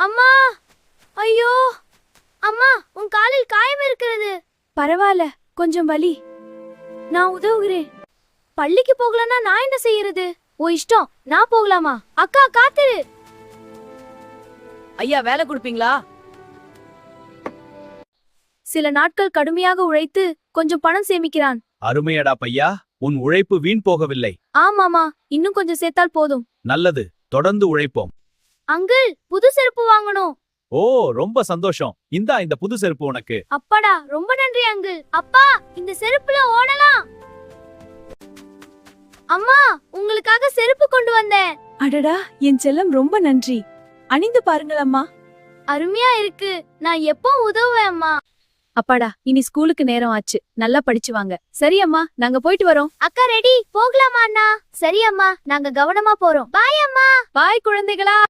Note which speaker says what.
Speaker 1: அம்மா, ஐயோ அம்மா, உன் காலில் காயம் இருக்கிறது. பரவாயில்ல, கொஞ்சம் வலி. நான் உதவுகிறேன். பள்ளிக்கு போகலன்னா நான் என்ன செய்யறது? ஓ இஷ்டம், நான் போகலாமா? அக்கா காத்துரு.
Speaker 2: ஐயா வேலை கொடுப்பீங்களா?
Speaker 1: சில நாட்கள் கடுமையாக உழைத்து கொஞ்சம் பணம் சேமிக்கிறான்.
Speaker 3: அருமையடா பையா, உன் உழைப்பு வீண் போகவில்லை.
Speaker 1: ஆமாமா, இன்னும் கொஞ்சம் சேர்த்தால் போதும்.
Speaker 3: நல்லது, தொடர்ந்து உழைப்போம்.
Speaker 1: அங்கிள், புது செருப்பு வாங்கணும்.
Speaker 3: ஓ, ரொம்ப சந்தோஷம். இந்த புது செருப்பு உனக்கு.
Speaker 1: அப்பாடா, ரொம்ப நன்றி அங்கிள். அப்பா, இந்த செருப்புல ஓடலாம். அம்மா, உங்களுக்காக செருப்பு கொண்டு வந்தேன்.
Speaker 2: அடடா, என் செல்லம் ரொம்ப நன்றி. அணிந்து பாருங்கள் அம்மா.
Speaker 1: அருமையா இருக்கு. நான் எப்போ உதவுவேன் அம்மா.
Speaker 2: அப்பாடா, இனி ஸ்கூலுக்கு நேரம் ஆச்சு. நல்லா படிச்சு வாங்க. சரி அம்மா, நாங்க போயிட்டு வரோம்.
Speaker 1: அக்கா ரெடி, போகலாமா அண்ணா? சரி அம்மா, நாங்க கவனமா போறோம். பாய் அம்மா.
Speaker 2: பாய் குழந்தைகளா.